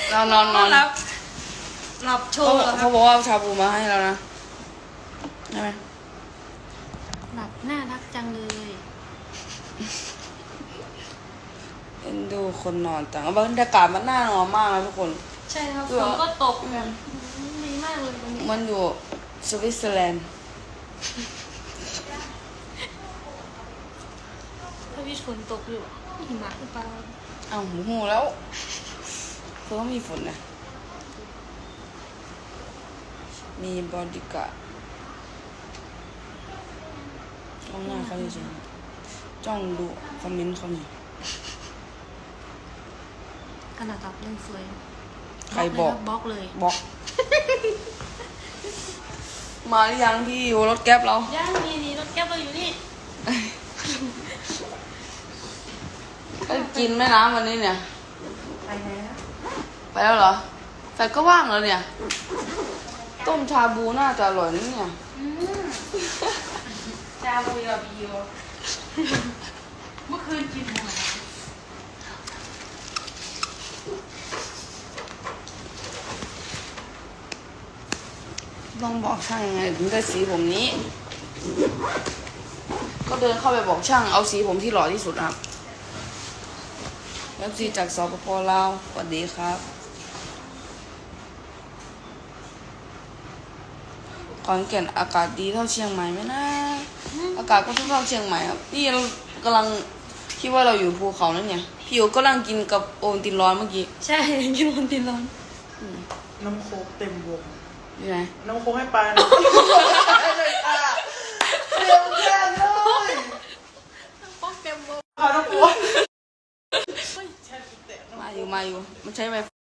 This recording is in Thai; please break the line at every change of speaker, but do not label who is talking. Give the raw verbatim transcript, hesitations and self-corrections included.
เรานอนนอน
หลับหลับโช
เขา
ว์เหรอค
เขา
รับ
บอกว่าเอาชาบูมาให้เรานะใช่ไหม
หลับน่ารักจังเลย
เอ็นดูคนนอนจังบรรยากาศมันน่านอนมากนะทุกคน
ใช่ครับ
เอ
ฝ
อ
นก็ตกแบบดีมากเลยวันนี้
มันอยู่สวิตเซอร์แลนด์
ถ้าพี่ฝนตกอยู่หิมะหรือเปล่า
อ้าวหมูหูแล้วเพิ่งมีฝนนะมีบอดี้การ์ดจ้องหน้าเขาเฉยๆจ้องดูคอมเมนต์เขาหน่อย
ขนาดตับยังสวย
ใครบอก
บล็อกเลย
บอก มาหรือยังพี่อยู่รถแก๊ปเรา
ย่างมีนี่รถแก๊ปเราอยู่นี่
ไปกินแม่น้ำวันนี้เนี่ย
ไปแล้ว
ไปแล้วเหรอแต่ก็ว่างแล้วเนี่ย ต้มชาบูน่าจะอร่อยนี่เนี่ย
จาบูยาบิโอเมื่อคืนกินหมด
ต้องบอกช่างยังไงถึงได้สีผมนี้ ก็เดินเข้าไปบอกช่างเอาสีผมที่หล่อที่สุดครับแล้วสีจากสปปลาวสวัสดีครับขอนแก่นอากาศดีเท่าเชียงใหม่ไหมนะอากาศก็เท่าเชียงใหม่ครับนี่เรากำลังคิดว่าเราอยู่ภูเขานั่นเนี่ยพี่โอก็กำลังกินกับโอนตินร้อนเมื่อกี้
ใช่กินวันตินร้อน
น้ำโค้กเต็มวง
อยู่ไหน
น้ำโค้กให้ปลาหน่อยเลยอ่ะเต็มแก้มเลย
ป้องเต็มวง
พาน้ำโค้ก
มาอยู่มาอยู่มันใช้ไว